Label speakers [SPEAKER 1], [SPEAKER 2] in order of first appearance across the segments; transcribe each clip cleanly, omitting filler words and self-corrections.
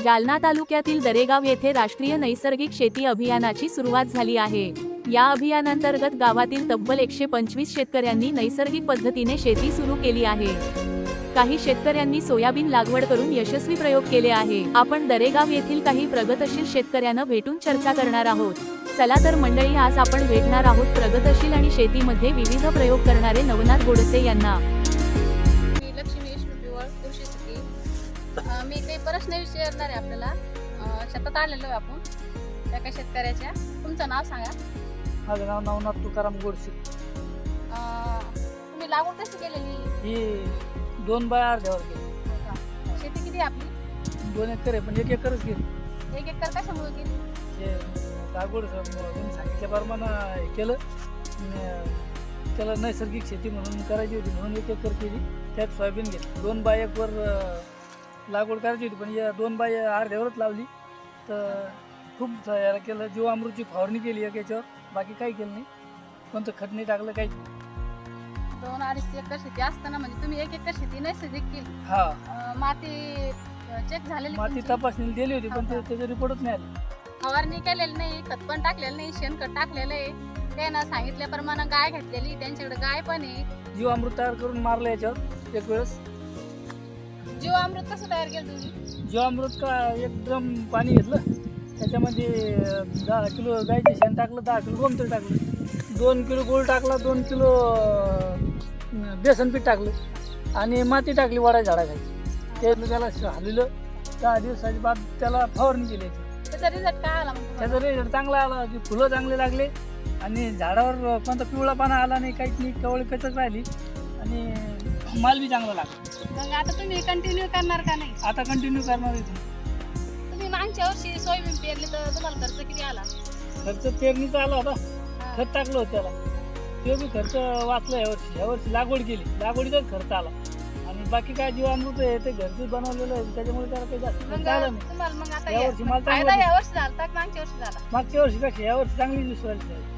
[SPEAKER 1] जालना तालुक्यातील दरेगाव येथे राष्ट्रीय नैसर्गिक शेती अभियानाची सुरुवात झाली आहे। या अभियानांतर्गत गावातील तब्बल 125 शेतकऱ्यांनी नैसर्गिक पद्धतीने शेती सुरू केली आहे। काही शेतकऱ्यांनी सोयाबीन लागवड करून यशस्वी प्रयोग केले आहे। आपण दरेगाव येथील काही प्रगतशील शेतकऱ्यांना भेटून चर्चा करणार आहोत। चला तर मंडळी, आज आपण भेटणार आहोत प्रगतशील आणि शेतीमध्ये विविध प्रयोग करणारे नवनाथ गोडसे यांना।
[SPEAKER 2] मी लक्ष्मी पिवळ कृषी शेती। मी काही प्रश्न विचारणार आहे आपल्याला। शेतात आलेलो आहे आपण एका शेतकऱ्याच्या। तुमचं नाव सांगा।
[SPEAKER 3] माझं नाव नवनाथ तुकाराम गोडसे।
[SPEAKER 2] तुम्ही लागवड कशी केलेली?
[SPEAKER 3] ही 2 बाय अर्ध्यावर केली।
[SPEAKER 2] शेती किती आहे आपली?
[SPEAKER 3] 2 एकर आहे, पण 1 एकरच केली।
[SPEAKER 2] 1 एकर कशामुळे केली?
[SPEAKER 3] हे लागवड तुम्ही सांगितल्याप्रमाणे हे केलं, त्याला नैसर्गिक शेती म्हणून करायची होती म्हणून 1 एकर केली। त्यात सोयाबीन घेतली। 2 बाय 1 वर लागवड करायची होती, पण या 2 बाय अर्ध्यावरच लावली। तर खूप याला केलं, जीवामृतची फवारणी केली याच्यावर, बाकी काही केलं नाही। कोणतं खत नाही टाकलं, काही
[SPEAKER 2] 2-2.5 एकर शेती असताना म्हणजे तुम्ही 1 एकर शेती नैसर्गिक केली।
[SPEAKER 3] हा,
[SPEAKER 2] माती चेक झालेली?
[SPEAKER 3] माती तपासणी दिली होती, पण त्याचे रिपोर्टच नाही आले।
[SPEAKER 2] फवारणी केलेली नाही, खत पण टाकलेलं नाही, शेणखत टाकलेलं आहे। त्यानं सांगितल्याप्रमाणे गाय घेतलेली, त्यांच्याकडे गाय पण आहे।
[SPEAKER 3] जीवामृत तयार करून मारलं याच्यावर एक वेळेस।
[SPEAKER 2] जीवामृत कसं तयार केलं तुम्ही?
[SPEAKER 3] जीवामृत का एक ड्रम पाणी घेतलं, त्याच्यामध्ये 10 किलो गायचे शेण टाकलं, 10 किलो गोमूत्र टाकलं, 2 किलो गूळ टाकला, 2 किलो बेसन पीठ टाकलं आणि माती टाकली वडा झाडाखाली। ते त्याला हलवलं। 10 दिवसाच्या बाद त्याला फवारणी केली।
[SPEAKER 2] त्याचा रिझल्ट काय आला? मग
[SPEAKER 3] त्याचा रिझल्ट चांगला आला, की फुलं चांगले लागले आणि झाडावर कोणता पिवळा पाना आला नाही, काहीच नाही, कवळी कचच राहिली आणि माल बी चांगला लागला।
[SPEAKER 2] मग आता तुम्ही कंटिन्यू करणार का नाही?
[SPEAKER 3] आता कंटिन्यू करणार आहे।
[SPEAKER 2] तुम्ही मागच्या वर्षी सोयाबीन पेरली तर तुम्हाला खर्च किती आला?
[SPEAKER 3] खर्च पेरणीचा आला होता, खत टाकलं होतं त्याला, तो बी खर्च वाचला। यावर्षी लागवड केली, लागवडीचाच खर्च आला आणि बाकी काय जीवामृत आहे ते घरचं बनवलेलं आहे, त्याच्यामुळे त्याला काही जास्त खर्च आला नाही।
[SPEAKER 2] तुम्हाला मग आता
[SPEAKER 3] यावर्षी माल
[SPEAKER 2] फायदा
[SPEAKER 3] चांगला,
[SPEAKER 2] यावर्षी झाला का मागच्या वर्षी झाला?
[SPEAKER 3] मागच्या वर्षीपेक्षा यावर्षी चांगली दिसवायची आहे।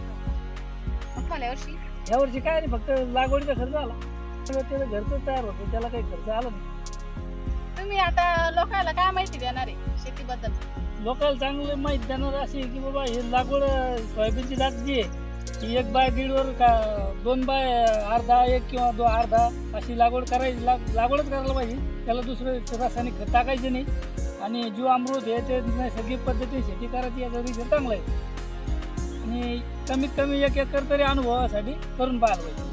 [SPEAKER 2] मग तुम्हाला
[SPEAKER 3] यावर्षी काय नाही, फक्त लागवडीचा खर्च आला, त्याला घरचं तयार होतं, त्याला काही खर्च आला नाही।
[SPEAKER 2] तुम्ही आता लोकांना काय माहिती देणार आहे शेतीबद्दल?
[SPEAKER 3] लोकांना चांगलं माहिती देणार अशी की बाबा हे लागवड सोयाबीनची जात जी आहे ती 1 बाय 1.5 वर का 2 बाय अर्धा 1 किंवा 2 अर्धा अशी लागवड करायची, लागवडच करायला पाहिजे। त्याला दुसरं रासायनिक खत टाकायचे नाही आणि जीवामृत हे ते नैसर्गिक पद्धतीने शेती करायची, याचा रिझल्ट चांगला आहे आणि कमीत कमी 1 एकर तरी अनुभवासाठी करून पाहायला पाहिजे।